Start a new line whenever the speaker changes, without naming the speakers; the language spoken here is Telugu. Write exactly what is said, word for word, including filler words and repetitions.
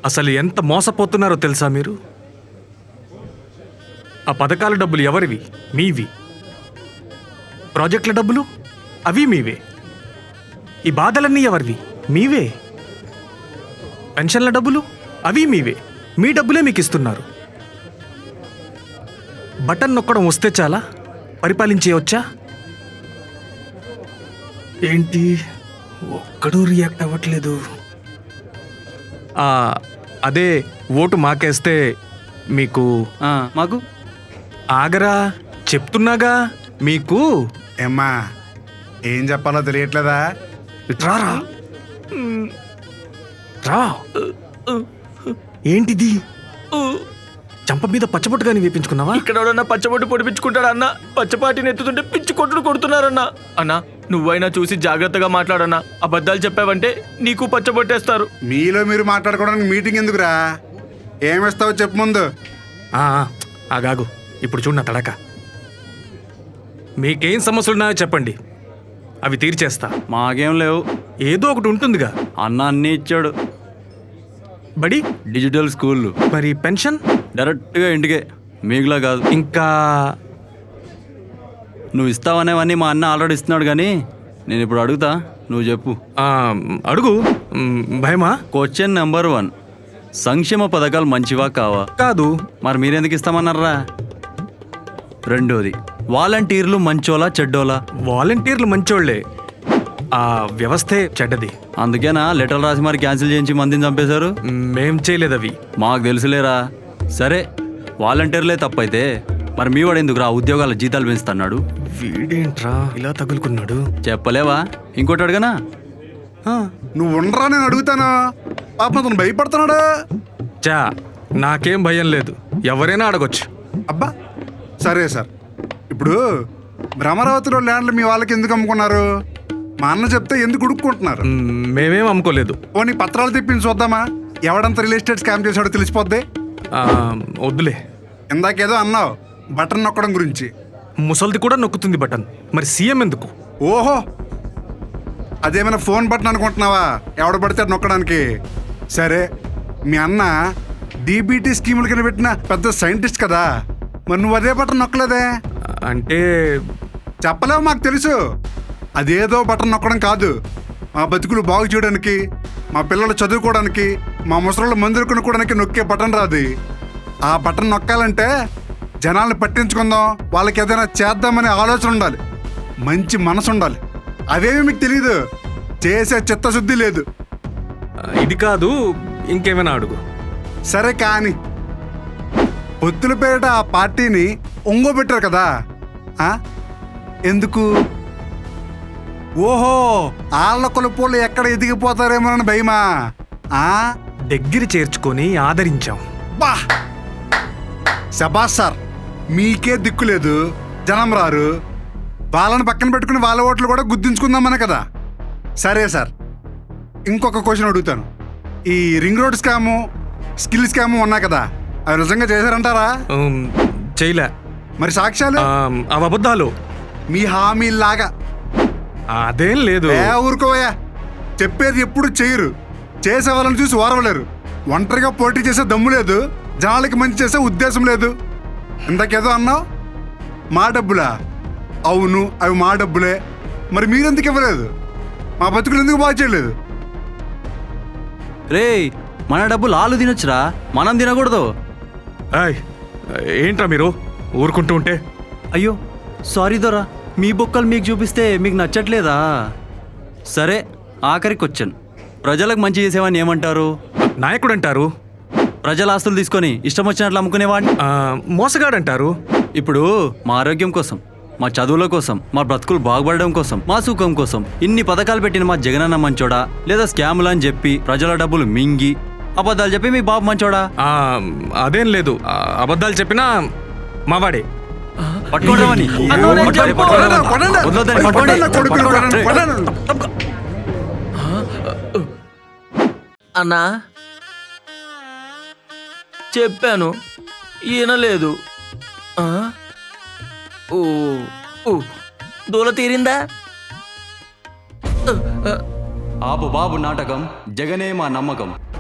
అసలు ఎంత మోసపోతున్నారో తెలుసా మీరు? ఆ పథకాల డబ్బులు ఎవరివి? మీవి. ప్రాజెక్టుల డబ్బులు అవి మీవే. ఈ బాధలన్నీ ఎవరివి? మీవే. పెన్షన్ల డబ్బులు అవి మీవే. మీ డబ్బులే మీకు ఇస్తున్నారు. బటన్ నొక్కడం వస్తే చాలా పరిపాలించేయవచ్చా? ఏంటి ఒక్కడూ రియాక్ట్ అవ్వట్లేదు? అదే ఓటు మాకేస్తే మీకు
మాకు
ఆగరా, చెప్తున్నాగా మీకు.
ఏమ్మా ఏం చెప్పాలో తెలియట్లేదా?
రారా రా. ఏంటిది? చంప మీద పచ్చబొట్టు కానీ వేపించుకున్నావా?
ఇక్కడ ఎవడన్నా పచ్చబొట్టు పొడిపించుకుంటాడా అన్న? పచ్చపాటిని ఎత్తుతుంటే పిచ్చి కొట్టుడు కొడుతున్నారన్నా. అన్నా నువ్వైనా చూసి జాగ్రత్తగా మాట్లాడన్నా. అబద్ధాలు చెప్పావంటే నీకు పచ్చబొట్టేస్తారు.
మీలో మీరు మాట్లాడుకోవడానికి మీటింగ్ ఎందుకురా? ఏమిస్తావో చెప్పు ముందు.
ఆగాగు, ఇప్పుడు చూడు నా తడక. మీకేం సమస్యలున్నాయో చెప్పండి, అవి తీర్చేస్తా.
మాకేం లేవు.
ఏదో ఒకటి ఉంటుందిగా.
అన్న అన్నీ ఇచ్చాడు.
బడి
డిజిటల్ స్కూల్.
మరి పెన్షన్
డైరెక్ట్గా ఇంటికే, మీకులా కాదు.
ఇంకా
నువ్వు ఇస్తావనేవన్నీ మా అన్న ఆల్రెడీ ఇస్తున్నాడు, కానీ నేను ఇప్పుడు అడుగుతా, నువ్వు చెప్పు.
అడుగు. భయమా?
క్వశ్చన్ నెంబర్ వన్, సంక్షేమ పథకాలు మంచివా కావా?
కాదు.
మరి మీరెందుకు ఇస్తామన్నారా? రెండోది, వాలంటీర్లు మంచోలా చెడ్డోలా?
వాలంటీర్లు మంచోళ్లే, ఆ వ్యవస్థే చెడ్డది.
అందుకేనా లెటర్లు రాసి మరి క్యాన్సిల్ చేయించి మందిని చంపేశారు?
మేం చేయలేదు అవి.
మాకు తెలుసులేరా. సరే వాలంటీర్లే తప్పైతే మరి మీ వాడు ఎందుకు రా ఉద్యోగాల జీతాలు పెంచుతున్నాడు?
వీడేంట్రా ఇలా తగులుకున్నాడు?
చెప్పలేవా? ఇంకోటి అడగనా?
నువ్వు ఉండరా, నేను అడుగుతాను. పాపం అతను భయపడుతున్నాడు.
చా నాకేం భయం లేదు, ఎవరైనా అడగొచ్చు.
అబ్బా సరే సార్, ఇప్పుడు భ్రమరావతిలో ల్యాండ్లు మీ వాళ్ళకి ఎందుకు అమ్ముకున్నారు? మా అన్న చెప్తే ఎందుకు ఉడుక్కుంటున్నారు?
మేమేం అమ్ముకోలేదు.
పోనీ పత్రాలు తెప్పించి చూద్దామా? ఎవడంత రియల్ ఎస్టేట్ స్కామ్ చేశాడో తెలిసిపోద్ది.
వద్దులే.
ఇందాకేదో అన్నావు బటన్ నొక్కడం గురించి.
ముసల్ది కూడా నొక్కుతుంది బటన్, మరి సీఎం ఎందుకు?
ఓహో, అదేమైనా ఫోన్ బటన్ అనుకుంటున్నావా? ఎవడ పడితే నొక్కడానికి. సరే, మీ అన్న డీబీటీ స్కీముల కింద పెట్టిన పెద్ద సైంటిస్ట్ కదా, మరి నువ్వు అదే బటన్ నొక్కలేదే?
అంటే
చెప్పలేవు, మాకు తెలుసు. అదేదో బటన్ నొక్కడం కాదు, మా బతుకులు బాగు చేయడానికి, మా పిల్లలు చదువుకోవడానికి, మా ముసలు మందులు కొనుక్కోవడానికి నొక్కే బటన్ రాదు. ఆ బటన్ నొక్కాలంటే జనాల్ని పట్టించుకుందాం, వాళ్ళకి ఏదైనా చేద్దామనే ఆలోచన ఉండాలి, మంచి మనసు ఉండాలి. అవేమి మీకు తెలీదు, చేసే చిత్తశుద్ధి లేదు.
ఇది కాదు, ఇంకేమైనా అడుగు.
సరే కానీ పొత్తుల పేరిట ఆ పార్టీని ఒంగోబెట్టారు కదా, ఎందుకు? ఓహో, ఆళ్ళ కొలుపులు ఎక్కడ ఎదిగిపోతారేమోనని భయమా?
దగ్గర చేర్చుకొని ఆదరించాం.
బా శబాస్ సార్, మీకే దిక్కు లేదు, జనం రారు, వాళ్ళని పక్కన పెట్టుకుని వాళ్ళ ఓట్లు కూడా గుర్తించుకుందామనే కదా. సరే సార్, ఇంకొక క్వశ్చన్ అడుగుతాను. ఈ ring road scam, skill scam ఉన్నాయి కదా, అవి నిజంగా చేశారంటారా?
చేయలే.
మరి సాక్ష్యాలు?
అవి అబద్ధాలు.
మీ హామీలాగా.
అదేం లేదు.
ఊరుకోవయ్యా, చెప్పేది ఎప్పుడు చేయరు, చేసే వాళ్ళని చూసి ఓరవలేరు. ఒంటరిగా పోటీ చేసే దమ్ము లేదు, జనాలకి మంచి చేసే ఉద్దేశం లేదు. ఇందాకేదో అన్నావు, మా డబ్బులా? అవును, అవి మా డబ్బులే. మరి మీరెందుకు ఇవ్వలేదు? మా బతుకులు ఎందుకు బాగా చేయలేదు?
రే, మన డబ్బులు ఆలు తినొచ్చురా, మనం తినకూడదు.
ఏంట్రా మీరు ఊరుకుంటూ ఉంటే?
అయ్యో సారీ దొరా, మీ బొక్కలు మీకు చూపిస్తే మీకు నచ్చట్లేదా? సరే, ఆఖరి క్వశ్చన్, ప్రజలకు మంచి చేసేవాడిని ఏమంటారు?
నాయకుడు అంటారు.
ప్రజల ఆస్తులు తీసుకొని ఇష్టం వచ్చినట్లు అమ్ముకునేవాడిని
మోసగాడు అంటారు.
ఇప్పుడు మా ఆరోగ్యం కోసం, మా చదువుల కోసం, మా బ్రతుకులు బాగుపడడం కోసం, మా సుఖం కోసం ఇన్ని పథకాలు పెట్టిన మా జగనన్న మంచోడా, లేదా స్కాములు అని చెప్పి ప్రజల డబ్బులు మింగి అబద్ధాలు చెప్పి మీ బాబు మంచోడా?
అదేం లేదు, అబద్ధాలు చెప్పినా మావాడే.
పట్టుకోవడమని
అన్నా చెప్పాను, ఈయనలేదు. దూల తీరిందా?
ఆపు బాబు నాటకం, జగనే మా నమ్మకం.